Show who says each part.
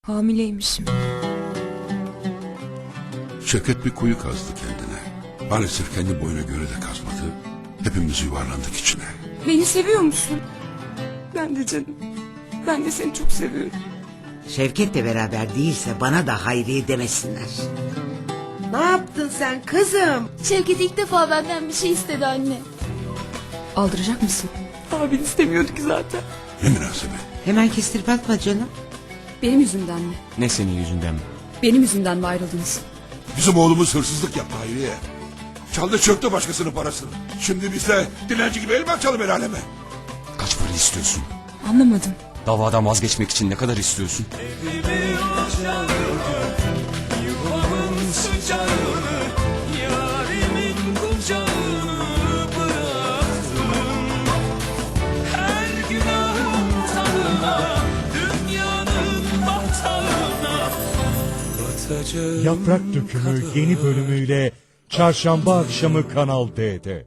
Speaker 1: Hamileymişim.
Speaker 2: Şevket bir kuyu kazdı kendine. Maalesef kendi boyuna göre de kazmadı. Hepimiz yuvarlandık içine.
Speaker 1: Beni seviyor musun? Ben de canım. Ben de seni çok seviyorum.
Speaker 3: Şevket'le beraber değilse bana da Hayriye demesinler.
Speaker 4: Ne yaptın sen kızım?
Speaker 5: Şevket ilk defa benden bir şey istedi anne.
Speaker 1: Aldıracak mısın? Abi istemiyorduk zaten.
Speaker 2: Ne münasebet.
Speaker 3: Hemen kestirip atma canım.
Speaker 1: Benim yüzümden mi?
Speaker 6: Ne senin yüzünden mi?
Speaker 1: Benim yüzümden mi ayrıldınız?
Speaker 2: Bizim oğlumuz hırsızlık yaptı Hayriye. Çaldı çöktü başkasının parasını. Şimdi biz de dilenci gibi el mi açalım el aleme?
Speaker 6: Kaç para istiyorsun?
Speaker 1: Anlamadım.
Speaker 6: Davadan vazgeçmek için ne kadar istiyorsun?
Speaker 7: Yaprak Dökümü yeni bölümüyle Çarşamba akşamı Kanal D'de.